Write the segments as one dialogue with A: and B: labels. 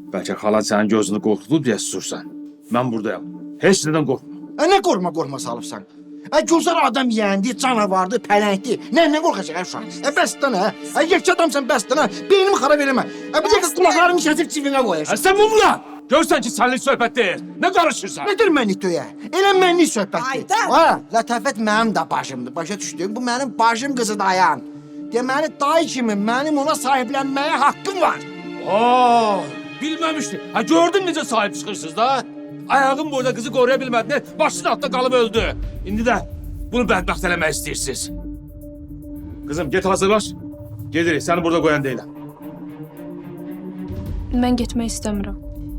A: Bəlkə xalan sənin gözünü qorxudub deyə susursan. Mən buradayam. Heç nədən qorxma.
B: Ne qorxma salıbsan? Gülzar adam yeğendi, canavardı, pələngdi. Ne qorxacaq uşaq? Bəsdən ha. Yekçi adamsan bəsdən ha. Beynimi xarab eləmə. Bir dəqiqə qulaqlarını kəsib cibinə qoyacaq.
A: Sən mumla! Görsən ki, sənlik söhbət deyil. Nə qarışırsan?
B: Nedir mənlik töyə? Elə mənlik söhbətdir.
C: Ayda!
B: Ha, lətafət mənim də başımdır. Başa düşdün? Bu mənim başım qızı dayan. Deməli, dayı kimi mənim ona sahiblənməyə haqqım var.
A: Bilməmişdi. Ha, gördün necə sahib çıxırsınız da? Ayağım burada qızı qoruya bilmədin, başının altında qalıb öldü. İndi də bunu bədbəxt eləmək istəyirsiniz. Qızım, get hazırlaş. Gedirik, səni burada qoyan deyiləm.
D: Mən getmək istəmirəm.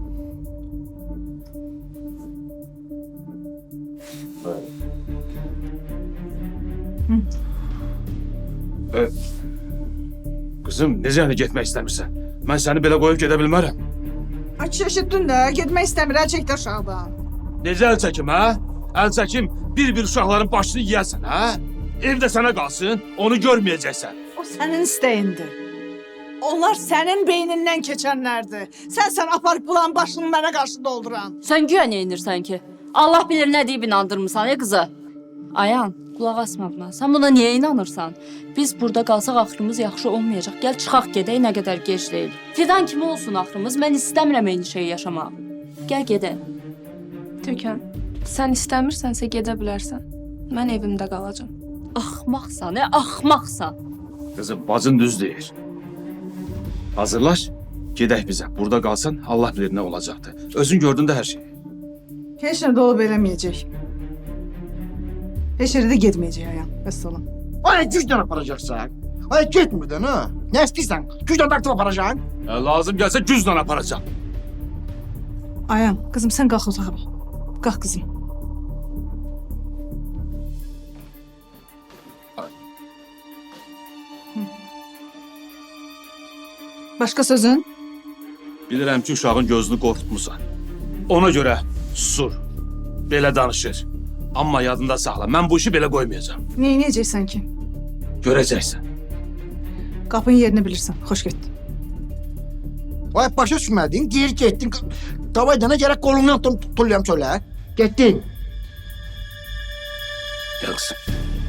A: Qızım, necə yəni getmək istəmirsən? Mən səni belə qoyub gedə bilmərəm.
C: Aç şaşırttın da, getmək istəmir, əl çəkdi aşağıdan.
A: Necə əl çəkim, hə? Əl çəkim, bir-bir uşaqların başını yeyəsən, hə? Evdə sənə qalsın, onu görməyəcəksən.
C: O sənin istəyindir. Onlar sənin beynindən keçənlərdir. Sən aparıb bulan başını mənə qarşı dolduran.
E: Sən güya nə inirsən ki? Allah bilir nə deyib inandırmısan ya qıza. Ayan, qulaq asma buna. Sən buna niyə inanırsan? Biz burada qalsaq axırımız yaxşı olmayacaq. Gəl çıxaq gedək, nə qədər gec deyil. Fidan kimi olsun axırımız. Mən istəmirəm eyni şeyi yaşamaq. Gəl gedək.
D: Tökən, sən istəmirsənsə gedə bilərsən. Mən evimdə qalacağam.
E: Axmaqsan, axmaqsan.
A: Qızım, bacın düz deyir. Hazırlaş, gedək bizə. Burada qalsan, Allah bilir nə olacaqdı. Özün gördün də hər şeyi.
C: Heç nə də olub eləməyəcək. Heç yerə də getməyəcək ayam. Vəssalam.
B: Ay, gücdən aparacaqsan. Ay, getmirdən ha. Nə istəyirsən? Gücdən dartıb aparacaqsan.
A: Lazım gəlsə güclə aparacaq.
C: Ayam, qızım sən qalx otağa bax. Qalx qızım. Başqa sözün?
A: Bilirəm ki, uşağın gözünü qorxutmusan. Ona görə susur, belə danışır. Amma yadında saxla, mən bu işi belə qoymayacağam.
C: Neynəyəcəksən ki?
A: Görəcəksən.
C: Qapının yerini bilirsən. Xoş getdin.
B: Ay, başa düşmədin, geri getdin. Qavaydana gərək qolundan tutulayam çölə. Getdin.
A: Gəl qızım.